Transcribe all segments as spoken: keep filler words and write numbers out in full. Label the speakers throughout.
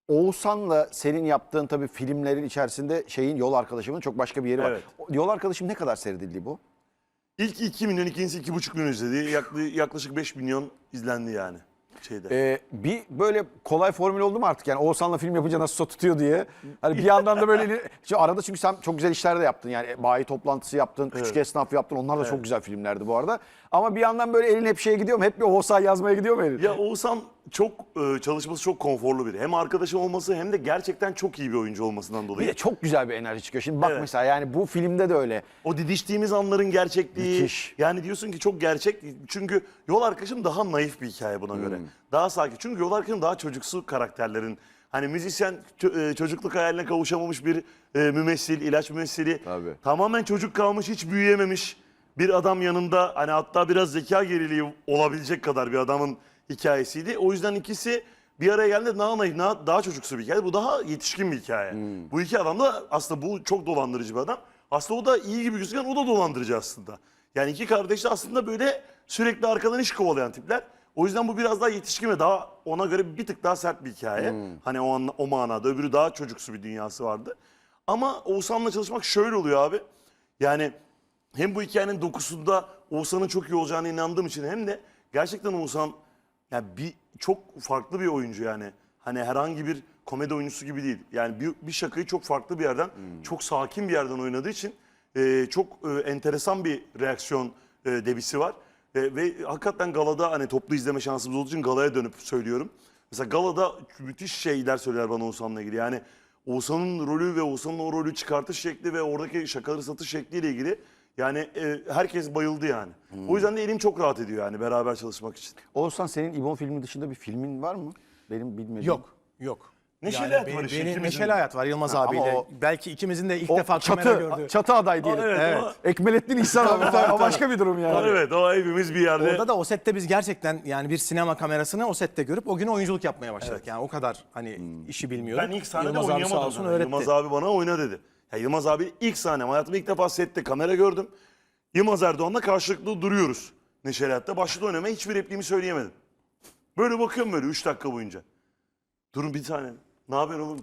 Speaker 1: Oğuzhan'la senin yaptığın tabii filmlerin içerisinde şeyin Yol Arkadaşım'ın çok başka bir yeri var.
Speaker 2: Evet.
Speaker 1: O- Yol Arkadaşım ne kadar seyredildi bu?
Speaker 2: İlk iki milyon, ikincisi iki buçuk milyon izledi. Yaklaşık, yaklaşık beş milyon izlendi yani şeyde.
Speaker 1: Ee, bir böyle kolay formül oldu mu artık? Yani Oğuzhan'la film yapınca nasıl tutuyor diye. Hani bir yandan da böyle Şimdi arada çünkü sen çok güzel işler de yaptın. Yani bayi toplantısı yaptın, küçük
Speaker 2: Evet.
Speaker 1: esnaf yaptın. Onlar da çok güzel filmlerdi bu arada. Ama bir yandan böyle elin hep şeye gidiyor mu? Hep bir Oğuzhan yazmaya gidiyor mu elin?
Speaker 2: Ya Oğuzhan çok e, çalışması çok konforlu biri. Hem arkadaşım olması hem de gerçekten çok iyi bir oyuncu olmasından
Speaker 1: Bir
Speaker 2: dolayı.
Speaker 1: de çok güzel bir enerji çıkıyor. Şimdi bak
Speaker 2: Evet.
Speaker 1: mesela yani bu filmde de öyle.
Speaker 2: O didiştiğimiz anların gerçekliği.
Speaker 1: Müthiş.
Speaker 2: Yani diyorsun ki çok gerçek. Çünkü Yol Arkadaşım daha naif bir hikaye buna göre. Daha sakin. Çünkü Yol Arkadaşım daha çocuksu karakterlerin. Hani müzisyen ço- e, çocukluk hayaline kavuşamamış bir e, mümessil, ilaç mümessili.
Speaker 1: Tabii.
Speaker 2: Tamamen çocuk kalmış, hiç büyüyememiş bir adam yanında. Hani hatta biraz zeka geriliği olabilecek kadar bir adamın hikayesiydi. O yüzden ikisi bir araya geldiğinde daha naif, daha, daha çocuksu bir hikaye. Bu daha yetişkin bir hikaye. Bu iki adam da aslında bu çok dolandırıcı bir adam. Aslında o da iyi gibi gözüken o da dolandırıcı aslında. Yani iki kardeş de aslında böyle sürekli arkadan iş kovalayan tipler. O yüzden bu biraz daha yetişkin ve daha ona göre bir tık daha sert bir hikaye. Hani o, anla- o manada öbürü daha çocuksu bir dünyası vardı. Ama Oğuzhan'la çalışmak şöyle oluyor abi. Yani hem bu hikayenin dokusunda Oğuzhan'ın çok iyi olacağına inandığım için hem de gerçekten Oğuzhan yani bir çok farklı bir oyuncu yani. Hani herhangi bir komedi oyuncusu gibi değil. Yani bir, bir şakayı çok farklı bir yerden, çok sakin bir yerden oynadığı için e, çok e, enteresan bir reaksiyon e, debisi var. E, ve hakikaten galada hani toplu izleme şansımız olduğu için galaya dönüp söylüyorum. Mesela galada müthiş şeyler söyler bana Oğuzhan'la ilgili. Yani Oğuzhan'ın rolü ve Oğuzhan'ın o rolü çıkartış şekli ve oradaki şakaları satış şekliyle ilgili yani e, herkes bayıldı yani. O yüzden de elim çok rahat ediyor yani beraber çalışmak için.
Speaker 1: Oğuzhan senin İbon filmi dışında bir filmin var mı? Benim bilmediğim.
Speaker 3: Yok, yok.
Speaker 2: Neşeli Hayat
Speaker 3: beni-
Speaker 2: var işte
Speaker 3: beni-
Speaker 2: ikimizin
Speaker 3: Neşeli
Speaker 2: de.
Speaker 3: Hayat var Yılmaz
Speaker 1: Ha, ama
Speaker 3: abiyle.
Speaker 1: o-
Speaker 3: Belki ikimizin de ilk
Speaker 1: O
Speaker 3: defa
Speaker 1: çatı,
Speaker 3: kamera gördüğü.
Speaker 1: çatı aday diyelim.
Speaker 2: Evet,
Speaker 3: Evet.
Speaker 2: o-
Speaker 1: Ekmelettin İhsan abi. O başka bir durum yani.
Speaker 2: Evet o hepimiz bir yerde.
Speaker 3: Orada da o sette biz gerçekten yani bir sinema kamerasını o sette görüp o gün oyunculuk yapmaya başladık. Yani o kadar hani işi bilmiyorduk.
Speaker 2: Ben ilk sahnede
Speaker 3: Yılmaz abi sağ
Speaker 2: oynayamadım.
Speaker 3: olsun
Speaker 2: zaten.
Speaker 3: öğretti.
Speaker 2: Yılmaz abi bana oyna dedi. Ya Yılmaz abi ilk sahnem. Hayatımda ilk defa sette kamera gördüm. Yılmaz Erdoğan'la karşılıklı duruyoruz. Neşeli Hayat'ta. Başladı oynamaya hiçbir repliğimi söyleyemedim. Böyle bakıyorum böyle üç dakika boyunca. Durun bir tane. Ne haber oğlum?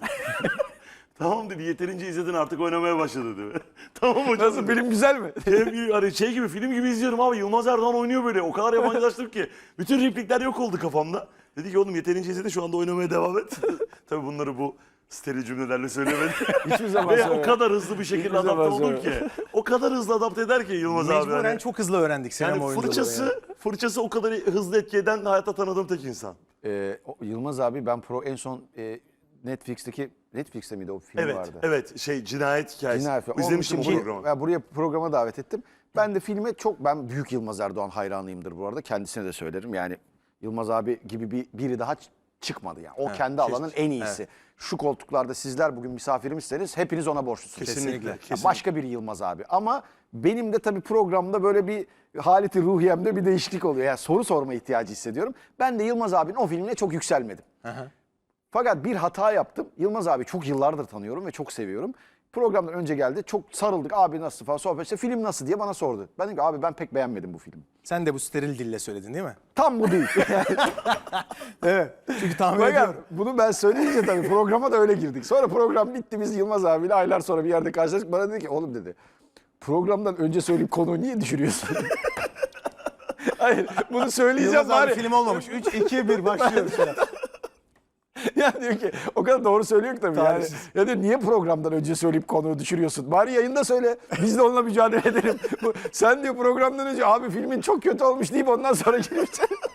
Speaker 2: Tamam dedi yeterince izledin artık oynamaya başladı dedi. Tamam hocam.
Speaker 1: Nasıl film güzel mi?
Speaker 2: Şey, hani şey gibi film gibi izliyorum abi. Yılmaz Erdoğan oynuyor böyle. O kadar yabancılaştım ki. Bütün replikler yok oldu kafamda. Dedi ki oğlum yeterince izledin şu anda oynamaya devam et. Tabii bunları bu steril cümlelerle söylemedi.
Speaker 1: Hiçbir zaman
Speaker 2: Ve o
Speaker 1: söyleme.
Speaker 2: kadar hızlı bir şekilde
Speaker 1: Hiçbir
Speaker 2: adapte
Speaker 1: zaman
Speaker 2: oldum ki. O kadar hızlı adapte eder ki Yılmaz abi.
Speaker 3: Mecburen
Speaker 2: Hani.
Speaker 3: çok hızlı öğrendik sinema
Speaker 2: Yani
Speaker 3: oyunculuğunu.
Speaker 2: fırçası,
Speaker 3: yani.
Speaker 2: fırçası o kadar hızlı etki eden hayatta tanıdığım tek insan.
Speaker 1: Ee, o Yılmaz abi ben pro en son e, Netflix'teki Netflix'te miydi o film
Speaker 2: Evet,
Speaker 1: vardı?
Speaker 2: evet şey cinayet hikayesi.
Speaker 1: Cinayet film. Onun
Speaker 2: İzlemiştim o
Speaker 1: için ki-
Speaker 2: programı.
Speaker 1: ya buraya programa davet ettim. Ben de filme çok ben büyük Yılmaz Erdoğan hayranıyımdır bu arada. Kendisine de söylerim. Yani Yılmaz abi gibi bir biri daha ç- çıkmadı yani. O kendi alanın en iyisi. Şu koltuklarda sizler bugün misafirimizseniz hepiniz ona borçlusunuz.
Speaker 2: Kesinlikle,
Speaker 1: Ya
Speaker 2: kesinlikle.
Speaker 1: Başka bir Yılmaz abi. Ama benim de tabii programda böyle bir haleti ruhiyemde bir değişiklik oluyor. Yani soru sorma ihtiyacı hissediyorum. Ben de Yılmaz abinin o filmine çok yükselmedim. Fakat bir hata yaptım. Yılmaz abi çok yıllardır tanıyorum ve çok seviyorum. Programdan önce geldi. Çok sarıldık. Abi nasıl falan sohbet. İşte film nasıl diye bana sordu. Ben dedim ki abi ben pek beğenmedim bu filmi.
Speaker 3: Sen de bu steril dille söyledin değil mi?
Speaker 1: Tam bu değil.
Speaker 3: Evet. Çünkü tahmin
Speaker 1: Fakat
Speaker 3: ediyorum.
Speaker 1: bunu ben söyleyince tabii programa da öyle girdik. Sonra program bitti. Biz Yılmaz abiyle aylar sonra bir yerde karşılaştık. Bana dedi ki oğlum dedi. Programdan önce söyleyip konuyu niye düşürüyorsun? Hayır bunu söyleyeceğim
Speaker 3: Yılmaz abi
Speaker 1: bari.
Speaker 3: film olmamış. üç, iki, bir başlıyoruz.
Speaker 1: Ya diyor ki o kadar doğru söylüyor ki tabii yani.
Speaker 3: Talihsiz.
Speaker 1: Ya diyor niye programdan önce söyleyip konuyu düşürüyorsun? Bari yayında söyle. Biz de onunla mücadele edelim. Bu- Sen diyor programdan önce abi filmin çok kötü olmuş deyip ondan sonra girip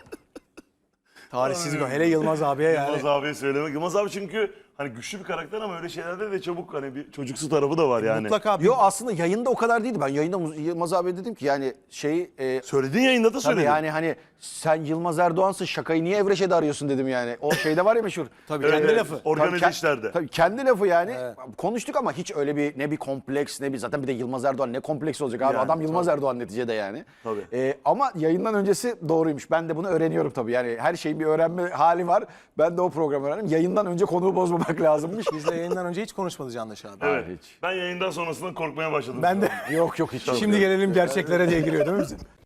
Speaker 3: Tarihsiz gol. Hele Yılmaz abiye yani.
Speaker 2: Yılmaz abiye söylemek. Yılmaz abi çünkü hani güçlü bir karakter ama öyle şeylerde de çabuk hani bir çocuksu tarafı da var yani.
Speaker 3: Mutlaka bir
Speaker 1: Yo aslında yayında o kadar değildi. Ben yayında Muz- Yılmaz abi dedim ki yani şeyi e,
Speaker 2: Söylediğin yayında da
Speaker 1: tabii
Speaker 2: söyledin.
Speaker 1: yani hani sen Yılmaz Erdoğan'sın şakayı niye Evreşe'de arıyorsun dedim yani. O şeyde var ya meşhur.
Speaker 3: Tabii
Speaker 2: Evet,
Speaker 3: kendi
Speaker 2: evet.
Speaker 3: lafı.
Speaker 2: Organize
Speaker 1: Tabii ke-
Speaker 2: işlerde.
Speaker 1: Tabii kendi lafı yani. Konuştuk ama hiç öyle bir ne bir kompleks ne bir zaten bir de Yılmaz Erdoğan ne kompleks olacak abi.
Speaker 2: Yani,
Speaker 1: Adam Yılmaz Erdoğan neticede yani.
Speaker 2: Tabii.
Speaker 1: Ee, ama yayından öncesi doğruymuş. Ben de bunu öğreniyorum tabii. Yani her şeyin bir öğrenme hali var. Ben de o programı öğrendim. Yayından önce konuğu bozmamak lazımmış.
Speaker 3: Bizle yayından önce hiç konuşmadı Candaş abi.
Speaker 2: Evet.
Speaker 1: hiç.
Speaker 2: Ben yayından sonrasında korkmaya başladım.
Speaker 3: Ben de
Speaker 1: Yok yok hiç.
Speaker 3: şimdi gelelim gerçeklere diye giriyor değil mi bizim?